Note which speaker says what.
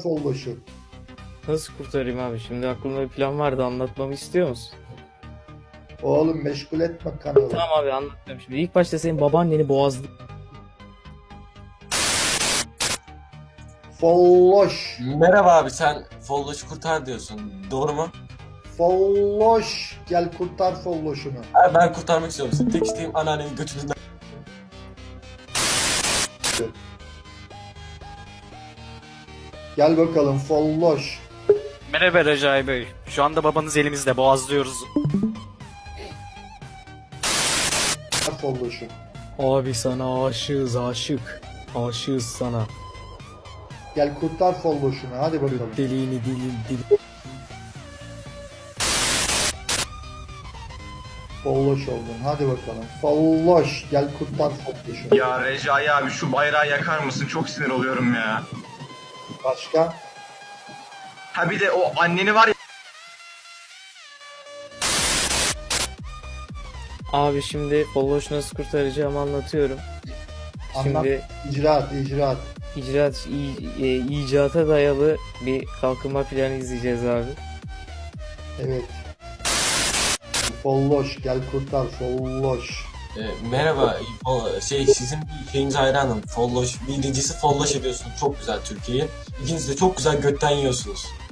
Speaker 1: Folloş'u.
Speaker 2: Nasıl kurtarayım abi? Şimdi aklımda bir plan vardı, anlatmamı istiyor musun?
Speaker 1: Oğlum meşgul etme kanalı.
Speaker 2: Tamam abi, anlatıyorum şimdi. İlk başta senin babaanneni boğazlı.
Speaker 1: Folloş.
Speaker 3: Merhaba abi, sen Folloş'u kurtar diyorsun. Doğru mu?
Speaker 1: Folloş. Gel kurtar Folloş'unu.
Speaker 3: Abi ben kurtarmak istiyorum. Senin tek isteğim anneannenin götününden.
Speaker 1: Gel bakalım Folloş.
Speaker 4: Merhaba Recai Bey. Şu anda babanız elimizde, boğazlıyoruz.
Speaker 1: Folloş'u.
Speaker 2: Abi sana aşığız, aşık. Aşığız sana.
Speaker 1: Gel kurtar Folloş'unu. Hadi bakalım.
Speaker 2: Deliğini dil.
Speaker 1: Folloş oldun. Hadi bakalım. Folloş. Gel kurtar Folloş'unu.
Speaker 5: Ya Recai abi şu bayrağı yakar mısın? Çok sinir oluyorum ya.
Speaker 1: Başka?
Speaker 5: Ha bir de o anneni var ya.
Speaker 2: Abi şimdi Folloş nasıl kurtaracağımı anlatıyorum.
Speaker 1: Anlat.
Speaker 2: Şimdi
Speaker 1: İcraat.
Speaker 2: icata dayalı bir kalkınma planı izleyeceğiz abi.
Speaker 1: Evet. Folloş. Gel kurtar Folloş.
Speaker 3: Merhaba, sizin bir şeyinize hayranım. Folloş, birincisi Folloş ediyorsunuz. Çok güzel Türkiye'yi. İkincisi de çok güzel götten yiyorsunuz.